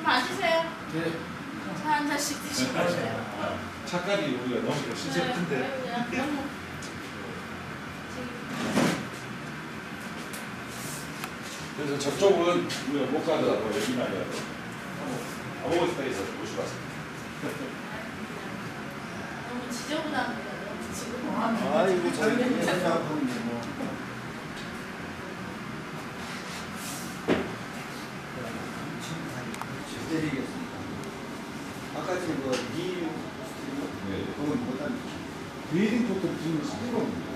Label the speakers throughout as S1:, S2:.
S1: 좀 앉으세요.
S2: 네.
S1: 차 한 잔씩 드시고 가세요.
S2: 차까지 우리가 너무 실제 큰데.
S1: 너무.
S2: 그래서 저쪽은 우리가 못 가더라고 여기나 해야 돼. 아무것도 스타에서 모시고 왔습니다.
S1: 너무 지저분합니다. 너무 지저분하면.
S3: 아이고 저희 회장하는데 뭐. 드리겠습니다. 아까 그
S2: 네.
S3: 그건 못한.
S2: 웨딩 포토 지금 300원입니다.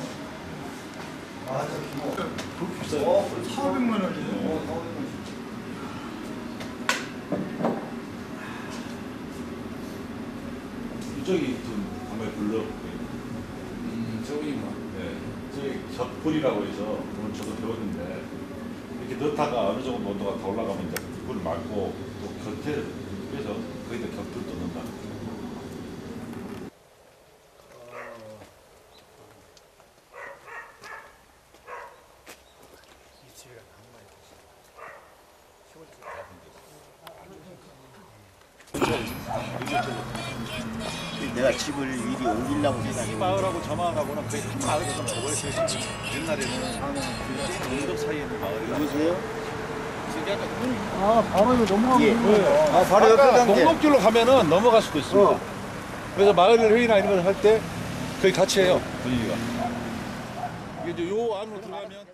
S3: 맞아.
S2: 그렇게 비싸요?
S3: 400만 원이에요. 400만 원.
S2: 이쪽이 좀 정말 불러. 저기구나. 네. 저기 곁불이라고 해서 오늘 저도 배웠는데 이렇게 넣다가 어느 정도 온도가 더 올라가면 이제 불을 막고 또 곁에 빼서 거기다 곁불 또 넣는다.
S3: 내가 집을 미리 옮기려고 생각해.
S4: 이 마을하고 저 마을하고는 거의 한 마을에서 원래 옛날에는 동덕 사이에 있는 마을이라.
S3: 누구세요?
S4: 아 바로 이거 넘어가면
S3: 예. 아, 바로 옆에
S4: 아까
S3: 단계.
S4: 목록길로 가면은 넘어갈 수도 있습니다. 그래서 마을 회의나 이런 걸 할 때 거의 같이 해요 분위기가. 이게 이제 요 안으로 들어가면.